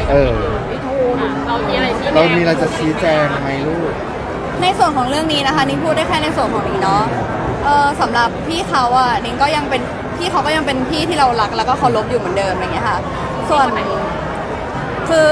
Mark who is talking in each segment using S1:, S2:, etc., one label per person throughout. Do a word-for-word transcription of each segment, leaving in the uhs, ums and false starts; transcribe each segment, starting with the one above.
S1: เออ
S2: พี่ทูนเรามีอะไรชี้แจง
S1: เรามีอะไรจะชี้แจงไหมลูก
S3: ในส่วนของเรื่องนี้นะคะนิ้งพูดได้แค่ในส่วนของนิ้งเนาะเออสำหรับพี่เขาอะนิ้งก็ยังเป็นพี่เขาก็ยังเป็นพี่ที่เรารักแล้วก็เคารพอยู่เหมือนเดิมอะไรเงี้ยค่ะส่วนคือ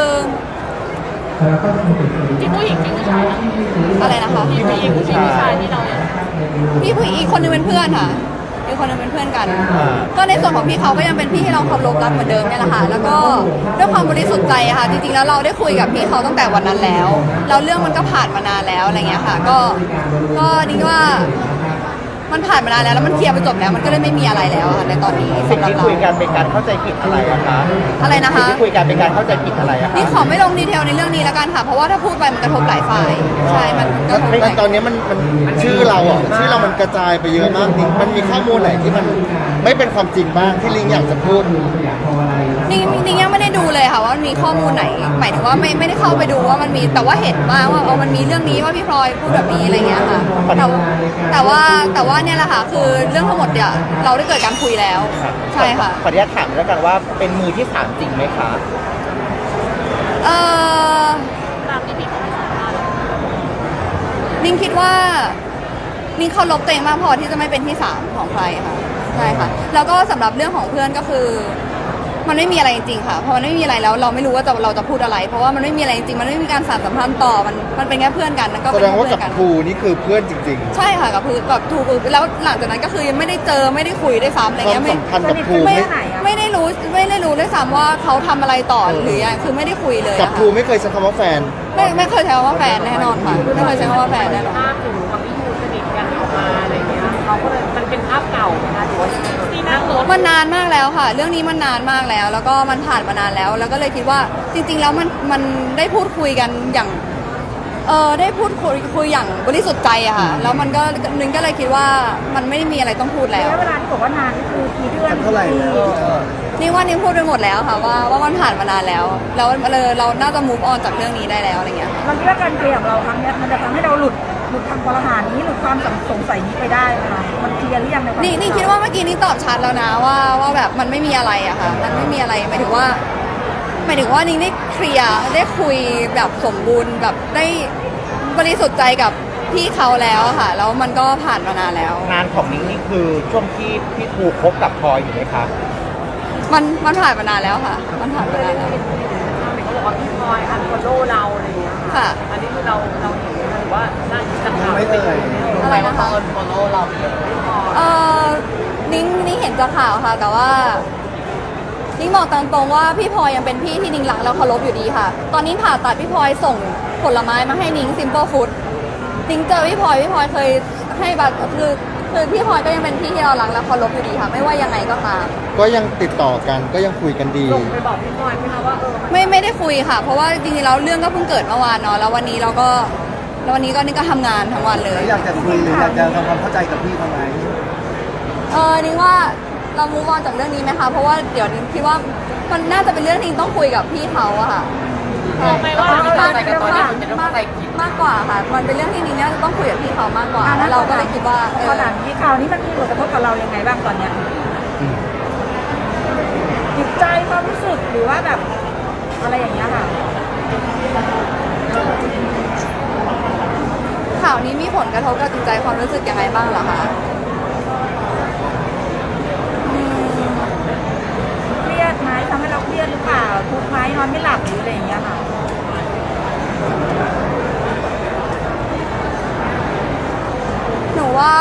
S2: พี่ผู้หญิงพี่ผู้ชายนะ
S3: อะไรนะคะ
S2: พี่ผู้หญิงพี่ผู้ชายที่เราเนี่ย
S3: พี่ผู้หญิงอีกคนนึงเป็นเพื่อนค่ะอีกคนนึงเป็นเพื่อนกัน ก็ในส่วนของพี่เขาก็ยังเป็นพี่ที่เราเคารพรักเหมือนเดิมเนี่ยแหละค่ะแล้วก็ด้วยความบริสุทธิ์ใจอะค่ะจริงๆแล้วเราได้คุยกับพี่เขาตั้งแต่วันนั้นแล้วแล้วเรื่องมันก็ผ่านมานานแล้วอะไรเงี้ยค่ะก็ก็นิ้งว่ามันผ่านมานานแล้วแล้วมันเคลียร์ไปจบแล้วมันก็เลยไม่มีอะไรแล้วค่ะในตอนนี้
S4: สิ่ง
S3: สำหรับ
S4: ที่
S3: เรา
S4: คุยกันเป็นการเข้าใจผิดอะไรอะคะ
S3: อะไรนะคะ
S4: สิ่งที่คุยกันเป็นการเข้าใจผิดอะไรอะคะ
S3: นี่ขอไม่ลงดีเทลในเรื่องนี้แล้วกันค่ะเพราะว่าถ้าพูดไปมันกระทบหลายฝ่ายใช่มันกระทบห
S1: แต่
S3: ลาย
S1: ตอนนี้มันมันชื่อเราอ่ะชื่อเรามันกระจายไปเยอะมากนี่มันมีข้อมูลไหนที่มันไม่เป็นความจริงบ้างที่ลิงอยากจะพูด
S3: นี่นี่ยังไม่ได้ดูเลยค่ะว่ามันมีข้อมูลไหนหมายถึงว่าไม่ไม่ได้เข้าไปดูว่ามันมีแต่ว่าเห็นมาว่าเอามันมีเรื่องนี้ว่าพี่พลอยพูดแบบนี้อะไรเงี้ยค่ะแต่ว่าแต่ว่าแต่ว่าเนี่ยแหละค่ะคือเรื่องทั้งหมดเนี่ยเราได้เกิดการคุยแล้วใช่ค่ะ
S4: ขออนุญาตถามแล้วกันว่าเป็นมือที่สามจริงไหมคะ
S3: เออ
S2: ตามที่พี่เขาให้สัมภาษณ์
S3: นิ่งคิดว่านิ่งเคารพตัวเองมากพอที่จะไม่เป็นที่สามของใครค่ะใช่ค่ะแล้วก็สำหรับเรื่องของเพื่อนก็คือ มันไม่มีอะไรจริงๆค่ะพอมันไม่มีอะไรแล้วเราไม่รู้ว่าจะเราจะพูดอะไร เพราะว่ามันไม่มีอะไรจริงๆมันไม่มีการสานสัมพันธ์ต่อมันมันเป็นแค่เพื่อนกันแล้วก็
S1: แส
S3: เป็น
S1: ดงว่า
S3: เพื่
S1: กับ
S3: อนกัน
S1: ครูนี่คือเพื่อนจริง
S3: ใช่ค่ะกับคือกับทูคือแล้วหลังจากนั้นก็คือยังไม่ได้เจอไม่ได้คุยได้วยซ้ำอะไร
S1: ๆ ความ
S3: เงี้ยไม่
S1: สัมพันธ์กับครู
S3: ไม่
S1: ไม่
S3: ไม่ได้รู้ไม่ได้รู้ด้วยซ้ำว่าเขาทำอะไรต่อหรือยังคือไม่ได้คุยเลย
S1: กับ
S3: อะ
S1: ครู
S3: ค่ะ
S1: ไม่เคยใช้คำว่าแฟน
S3: ไม่ไม่เคยใช้คำว่าแฟนแน่นอนค่ะไม่เคยใช้คำว่าแฟนแน่นอน
S2: ภาพหนูกับพี่ทูสนิทกันออกมาอะไรเงี้ยเขาก็เลยมันเป็นภาพเก่านะคะถือว่าที่นั่งรถ
S3: มันนานมากแล้วค่ะ เรื่องนี้มันนานมากแล้ว แล้วก็มันผ่านมานานแล้ว แล้วก็เลยคิดว่าจริง ๆ แล้วมันมันได้พูดคุยกันอย่างเออได้พูดคุยคุยอย่างบริสุทธิ์ใจอะค่ะแล้วมันก็นึงก็เลยคิดว่ามันไม่ได้มีอะไรต้องพูดแล้ว
S5: ระยะเวลาที่บอกว่านานนี่คือกี่เดือน
S1: เท่าไหร่แล้ว
S3: นี่ว่านี่พูดไปหมดแล้วค่ะว่าว่ามันผ่านมานานแล้ว แล้วเราเราน่าจะ move on จากเรื่องนี้ได้แล้วอะไรเงี้ยค่ะ
S5: เราคิดว่าการเคลียร์ของเราครั้งเนี้ยมันจะทำให้เราหลุดหลุดคำกลหานี้หลุดความสงสัยนี้ไปได้ไหมคะมันเคลียร์หรือยังในความ
S3: นี่นี่คิดว่าเมื่อกี้นี่ตอบชัดแล้วนะว่าว่าแบบมันไม่มีอะไรอะค่ะมันไม่มีอะไรหมายถึงว่าหมายถึงว่านิ่งได้เคลียร์ได้คุยแบบสมบูรณ์แบบได้บริสุทธิ์ใจกับพี่เขาแล้วอะค่ะแล้วมันก็ผ่านมานานแล้ว
S4: งานของนิ้งนี่คือช่วงที่พี่ทูคบกับพลอยอยู่ไหมคะ
S3: มันมันผ่านมานานแล้วค่ะ มันผ่านมานานแล้ว
S2: เขาบอกว่าพี่พลอยอันฟอลโล่เราอะไรเงี้ย
S3: ค่ะ
S2: อันนี้คือเราเราเห็นไหมคะหรือว่าน่าจะข่าว
S1: ไม่เลย
S3: อะไรนะคะ
S2: อันฟอลโล่เราเยอะ
S3: เออนิ้งนิ้งเห็นจากข่าวค่ะ แต่ว่านิ้งบอกตามตรงว่าพี่พลอยยังเป็นพี่ที่นิ้งรักแล้วเคารพอยู่ดีค่ะ ตอนนี้ผ่าตัดพี่พลอยส่งผลไม้มาให้นิ้ง Simple Food นิ้งเจอพี่พลอยพี่พลอยเคยให้บัตรคือคือพี่พลอยก็ยังเป็นพี่ที่เรารักและเคารพอยู่ดีค่ะ ไม่ว่ายังไงก็ตาม
S1: ก็ยังติดต่อกันก็ยังคุยกันดี
S2: ส่งไปบอกพี่พลอยไหมคะว่าเออ
S3: ไม่ไม่ได้คุยค่ะ เพราะว่าจริงๆแล้วเรื่องก็เพิ่งเกิดเมื่อวานเนาะแล้ววันนี้เราก็แล้ววันนี้ก็นี่ก็ทำงานทั้งวันเลย
S1: อยากจะคุยหรืออยากจะทำความเข้าใจกับพี่ทำไม
S3: เออนิ้งว่าเรามูฟออนจากเรื่องนี้ไหมคะเพราะว่าเดี๋ยวนิ้งคิดว่ามันน่าจะเป็นเรื่องที่ต้องคุยกับพี่เขาอะค่ะ
S2: บอกไหมว่าพี่พลอยกับตอนนี้มันเป็นเรื่อง
S3: มา
S2: เข้าก ใจผิด
S3: มากกว่าค่ะ มันเป็นเรื่องที่นิ้งน่าจะต้องคุยกับพี่เขามากกว่า เราก็เลยคิดว่าเออ
S5: ขนาดนี้ข่าวนี้มันมีผลกระทบกับเรายังไงบ้างตอนเนี้ยจิตใจความรู้สึกหรือว่าแบบอะไรอย่างเงี้ยค่ะ
S3: ข่าวนี้มีผลกระทบกับจิตใจความรู้สึกยังไงบ้างเหรอคะอืม
S5: เครียดไหมทำให้เราเครียดหรือเปล่าทุกข์ไหมนอนไม่หลับหรืออะไรอย่างเงี้ยค่ะ
S3: หนูว่า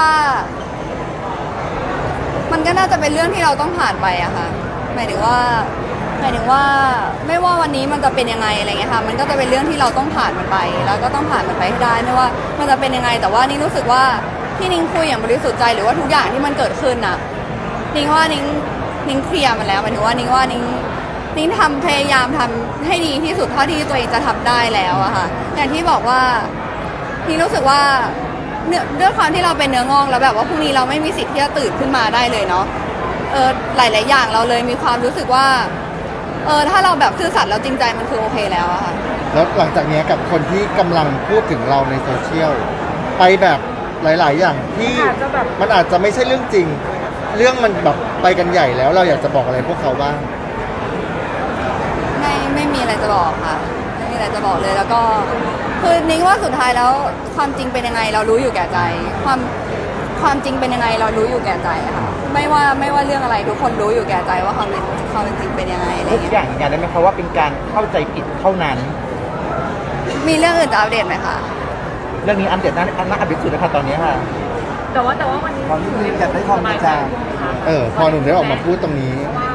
S3: มันก็น่าจะเป็นเรื่องที่เราต้องผ่านไปอะค่ะหมายถึงว่าหมายถึงว่าไม่ว่าวันนี้มันจะเป็นยังไงอะไรเงี้ยค่ะ มันก็จะเป็นเรื่องที่เราต้องผ่านมันไป แล้วก็ต้องผ่านมันไปให้ได้ไม่ว่ามันจะเป็นยังไง แต่ว่านิ้งรู้สึกว่าที่นิ้งคุยอย่างบริสุทธิ์ใจหรือว่าทุกอย่างที่มันเกิดขึ้นน่ะนิ้งว่านิ้งนิ้งเคลียร์มันแล้วหมายถึงว่านิ้งว่านิ้งนิ้งทำพยายามทำให้ดีที่สุดเท่าที่ตัวเองจะทำได้แล้วอะค่ะอย่างที่บอกว่านิ้งรู้สึกว่าเนื้อด้วยความที่เราเป็นเนื้องอกแล้วแบบว่าพรุ่งนี้เราไม่มีสิทธิ์ที่จะตื่นขึ้นมาได้เลยเนาะเออหลาย ๆ อย่างเราเลยมีความรู้สึกว่าเออถ้าเราแบบซื่อสัตย์แล้วจริงใจมันคือโอเคแล้วอะค่ะ
S1: แล้วหลังจากนี้กับคนที่กำลังพูดถึงเราในโซเชียลไปแบบหลาย ๆ อย่างที่
S5: อาจจะแบบ
S1: มันอาจจะไม่ใช่เรื่องจริง เรื่องมันแบบไปกันใหญ่แล้วเราอยากจะบอกอะไรพวกเขาบ้าง
S3: ไม่ไม่มีอะไรจะจะบอกค่ะไม่มีอะไรจะบอกเลยแล้วก็คือนิ้งว่าสุดท้ายแล้วความจริงเป็นยังไงเรารู้อยู่แก่ใจ ความความจริงเป็นยังไงเรารู้อยู่แก่ใจค่ะไม่ว่าไม่ว่าเรื่องอะไรทุกคนรู้อยู่แก่ใจว่าความเป็นความเป็นจริงเป็นยังไงอะไร
S4: ทุก
S3: เงี้ย
S4: อย่างยืนยันได้ไหมคะว่าเป็นการเข้าใจผิดเท่านั้น
S3: มีเรื่องอื่นจะอัปเดตไหมคะ
S4: เรื่องนี้อันเด็ดน่าน่าอัปเดตสุดนะคะตอนนี้ค่ะ
S2: แต่ว่าแต่ว่าวันนี้
S1: ตอนนี้อยากได้ความกระจ่าง เออ พอหนุ่มได้ออกมาพูดตรงนี้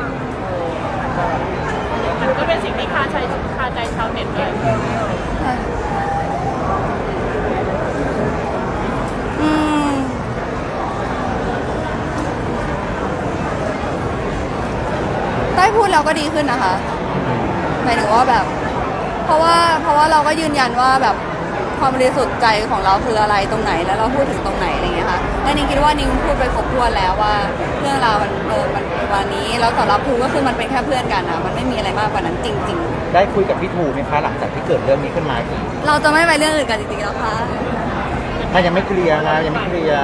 S2: มันก็เป็นสิ่งที่คาใจคาใจชาวเน็ตด้วย
S3: อืมได้พูดแล้วก็ดีขึ้นนะคะหมายถึงว่าแบบ เพราะว่าเพราะว่าเราก็ยืนยันว่าแบบความบริสุทธิ์ใจของเราคืออะไรตรงไหนแล้วเราพูดถึงตรงไหนอะไรเงี้ยค่ะและนิ้งคิดว่านิ้งพูดไปครบถ้วนแล้วว่าเรื่องราวมันเออมันวันนี้แล้วสำหรับภูก็คือมันเป็นแค่เพื่อนกันอะมันไม่มีอะไรมากกว่านั้นจริง
S4: ได้คุยกับพี่ทูไหมคะหลังจากที่เกิดเรื่องนี้ขึ้นมาอีก
S3: ๆ เราจะไม่ไปเรื่องอื่นกันจริงๆแล้วค่ะ
S4: มันยังไม่เคลียร์นะยังไม่เคลียร์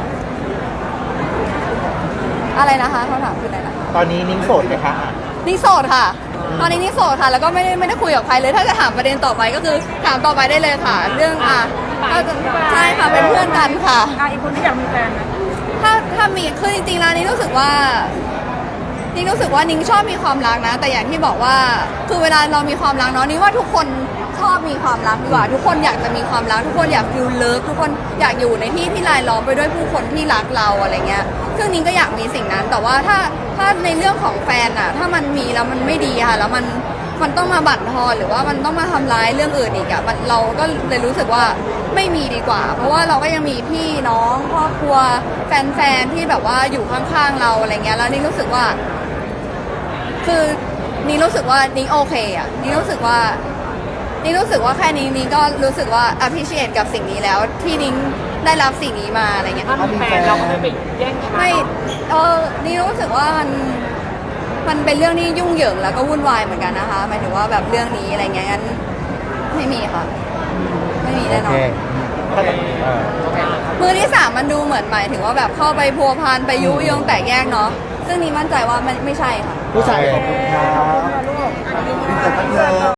S3: อะไรนะคะคำถามคืออะไรนะ
S4: ตอนนี้นิ้งโสดไหมคะ
S3: นี่โสดค่ะ ตอนนี้นี่โสดค่ะ แล้วก็ไม่ได้ไม่ได้คุยกับใครเลย ถ้าจะถามประเด็นต่อไปก็คือถามต่อไปได้เลยค่ะ เรื่องอ่ะถ้าจะใช่ค่ะ เป็นเพื่อนกันค่ะ
S5: อ่ะอีกคนที่อยากมีแฟนไหม
S3: ถ้าถ้ามีคือจริงๆแล้วนี่รู้สึกว่านี่รู้สึกว่านิ้งชอบมีความรักนะ แต่อย่างที่บอกว่าคือเวลาเรามีความรักเนาะนี่ว่าทุกคนชอบมีความรักดีกว่า ทุกคนอยากจะมีความรัก ทุกคนอยากฟิลเลิฟทุกคนอยากอยู่ในที่ที่รายล้อมไปด้วยผู้คนที่รักเราอะไรเงี้ยซึ่งนิ้งก็อยากมีสิ่งนั้น แต่ว่าถ้าถ้าในเรื่องของแฟนอะถ้ามันมีแล้วมันไม่ดีค่ะแล้วมันมันต้องมาบั่นทอนหรือว่ามันต้องมาทำร้ายเรื่องอื่นอีกอะมันเราก็เลยรู้สึกว่าไม่มีดีกว่า เพราะว่าเราก็ยังมีพี่น้องครอบครัวแฟนๆที่แบบว่าอยู่ข้างๆเราอะไรเงี้ยแล้วนี่รู้สึกว่า คือนี่รู้สึกว่านี่โอเคอ่ะนี่รู้สึกว่านี่รู้สึกว่าแค่นี้นี่ก็รู้สึกว่า appreciate กับสิ่งนี้แล้ว ที่นิ้งได้รับสิ่งนี้มาอะไรเงี้ย
S2: ถ้ามีแฟนเราก็ไม่ไปแย่งกัน
S3: ไม่เออนี่รู้สึกว่ามันมันเป็นเรื่องที่ยุ่งเหยิงแล้วก็วุ่นวายเหมือนกันนะคะหมายถึงว่าแบบเรื่องนี้อะไรเงี้ยงั้นไม่มีค่ะ ไม่มีแน่นอน
S4: ถ้าจะเออ
S3: มือที่สามมันดูเหมือนหมายถึงว่าแบบเข้าไปพัวพันไปยุยงแตกแยกเนาะซึ่งนี่มั่นใจว่ามันไม่ใช่ค่ะ
S1: ผู้ชายขอบคุณครับ
S5: ลูก
S1: เป็นแต่ตั้งเยอะ